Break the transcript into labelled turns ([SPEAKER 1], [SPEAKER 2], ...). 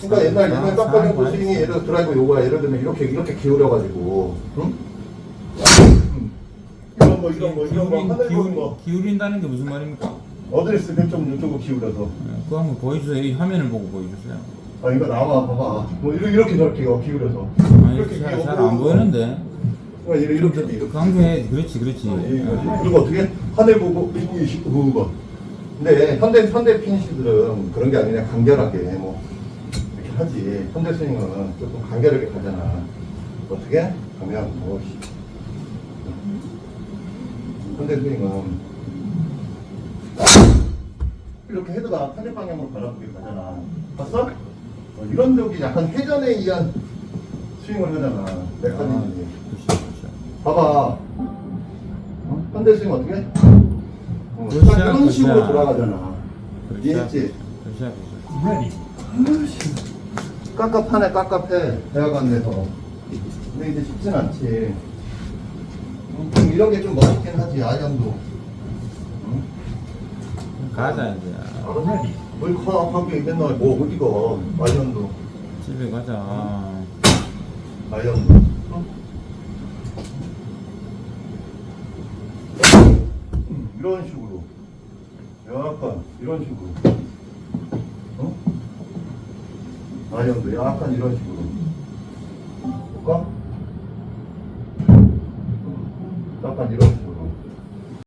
[SPEAKER 1] 그러니까 옛날 깜빡이 스윙이 예를 들어 드라이브 요거야. 예를 들면 이렇게 기울여가지고, 응? 이런 거 하늘 보는 거.
[SPEAKER 2] 기울인다는 게 무슨 말입니까?
[SPEAKER 1] 어드레스 좀 이쪽으로 기울여서.
[SPEAKER 2] 그거 한번 보여주세요. 이 화면을 보고 보여주세요.
[SPEAKER 1] 아, 이거 나와, 봐봐. 뭐 이렇게 저렇게 기울여서.
[SPEAKER 2] 아니,
[SPEAKER 1] 이렇게
[SPEAKER 2] 잘 안 보이는데.
[SPEAKER 1] 이렇게.
[SPEAKER 2] 강조해. 그렇지.
[SPEAKER 1] 그리고 어떻게 하늘 보고 그거. 근데 현대 피니시들은 그런 게 아니라 간결하게 뭐 이렇게 하지. 현대 스윙은 조금 간결하게 가잖아. 어떻게 하면 뭐 현대 스윙은 이렇게 헤드가 타겟 방향으로 바라보게 가잖아. 봤어? 이런 적이 약간 회전에 의한 스윙을 하잖아. 메커니즘이. 봐봐. 현대 스윙 어떻게? 딱 이런 식으로 돌아가잖아. 이해했지? 깝깝하네, 깝깝해. 대학원 내서. 근데 이제 쉽진 않지. 이런 게 좀 멋있긴 하지, 아이언도. 응?
[SPEAKER 2] 가자 이제.
[SPEAKER 1] 뭘 하게 맨날 뭐 어디가, 아이언도.
[SPEAKER 2] 집에 가자.
[SPEAKER 1] 아이언도. 응? 이런 식으로. 약간, 이런 식으로. 어? 아이언도 약간 이런 식으로. 볼까?